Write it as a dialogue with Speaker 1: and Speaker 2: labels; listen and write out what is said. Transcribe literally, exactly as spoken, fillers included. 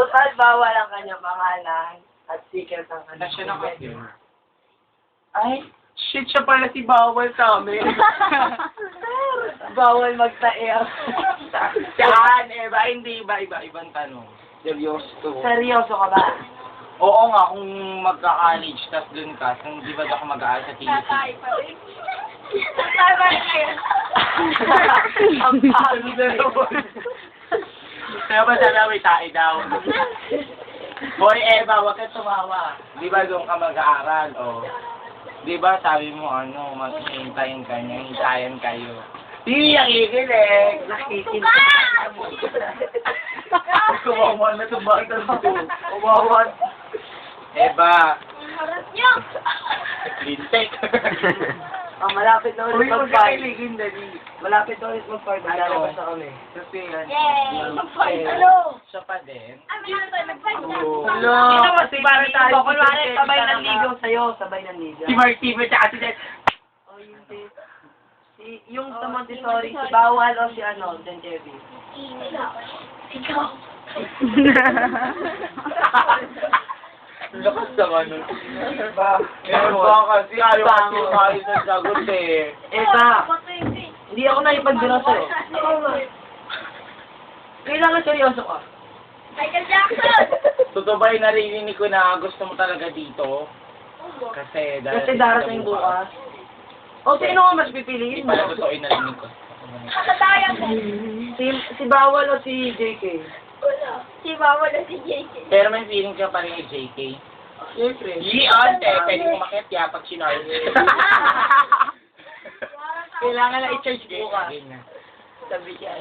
Speaker 1: Total, bawal ang kanyang pangalan at secret ang kanyang
Speaker 2: Nasya na kasi.
Speaker 1: Ay,
Speaker 2: Shit, siya pala si Bawal sa amin.
Speaker 1: bawal magtaer.
Speaker 2: Saan? Eh, ba? Hindi ba? Iba, ibang tanong. Seryoso.
Speaker 1: Seryoso ka ba?
Speaker 2: Oo nga, kung magka-college, tas dun ka, kung di ba ako mag-aaral sa T V C?
Speaker 3: Tama na kayo.
Speaker 1: Ang palo na yun.
Speaker 2: Kaya ba sabi may tae daw? Boy, Eva, wag kang tumawa. Di ba doon ka mag-aaral, o? Di ba sabi mo, ano, maghintayin ka niya, hintayin kayo. Hindi ang ikilig.
Speaker 1: Nakikinta mo.
Speaker 2: Kumawa na itong bata dito.
Speaker 1: Umawan.
Speaker 2: Eva,
Speaker 3: Harap niyo.
Speaker 2: lintek.
Speaker 1: Ah, malapit na
Speaker 2: Uy,
Speaker 1: ulit
Speaker 2: huwag
Speaker 1: mag-five.
Speaker 2: ka kiligin, dali.
Speaker 1: Malapit na ulit mag-five. Maglalabas na kami.
Speaker 2: Kasi yan.
Speaker 3: Yay!
Speaker 2: Eh,
Speaker 3: Hello!
Speaker 2: Siya pa din.
Speaker 3: Ah, meron tayo mag-fight na.
Speaker 2: Oo.
Speaker 1: Hello!
Speaker 2: Hindi naman si para tayo.
Speaker 1: So, kunwari, sabay ng ligo sa'yo. Sabay ng ligo.
Speaker 2: Si Mark T V tsaka si Jen.
Speaker 1: Oh, hindi. Si, yung sa Montessori, si Bawal o si ano, Jen Jevi.
Speaker 3: Ikaw.
Speaker 2: Lakas naman nun.
Speaker 1: Ba?
Speaker 2: Eh, ba kasi ayaw kasi tayo sa sagot eh.
Speaker 1: Eh, ba? Hindi ako naipagdira sa'yo. Kailangan seryoso ka.
Speaker 3: Michael Jackson!
Speaker 2: Totoo ba yung narinig ko na gusto mo talaga dito? Kasi
Speaker 1: Kasi darating bukas. O, sino ka mas pipiliin
Speaker 2: Hindi
Speaker 1: mo?
Speaker 2: pala totoo yung narinig ko.
Speaker 3: Kakataya mo.
Speaker 1: Si, si Bawal o si J K?
Speaker 3: Si Mama na si J K.
Speaker 2: Pero may feeling ka pa rin kay J K.
Speaker 1: Siyempre.
Speaker 2: Iyan, eh, pwede mo makit ya pag sinarve.
Speaker 1: Kailangan na i-charge bukas.
Speaker 2: Ganyan.
Speaker 1: Sabi siya.